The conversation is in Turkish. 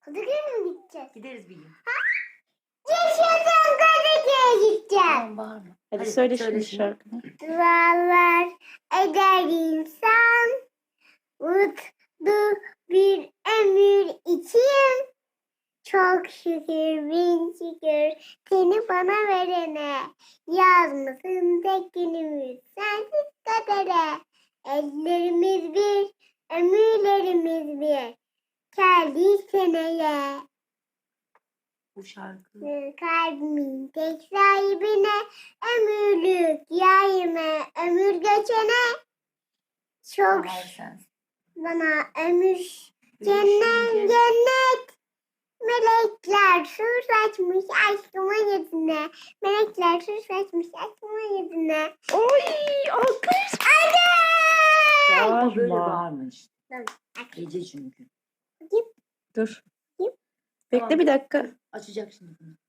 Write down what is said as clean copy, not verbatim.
Kadıköy'e mi gideceğiz? Gideriz bir gün. Yaşasın Kadıköy'e gideceğim. Tamam bağırma. Hadi söyle şimdi şarkını. Dualar eder insan. Mutlu bir ömür için. Çok şükür bin şükür seni bana verene. Yazmasın tek günümüz sensiz kadere. Ellerimiz bir, ömürlerimiz bir. Geldi seneye. Bu şarkı. Kalbimin tek sahibine. Ömürlük yayına ömür geçene. Çok Bahar sensin. bana ömür Görüşünce- cennet. Melekler su saçmış aşkıma yüzüne. Melekler su saçmış aşkıma yüzüne. Oy alkış. Ama böyle Bağırma. bağırma işte. Tamam. Gece çünkü. Dur. Yap. Bekle bir dakika. Açacak şimdi bunu.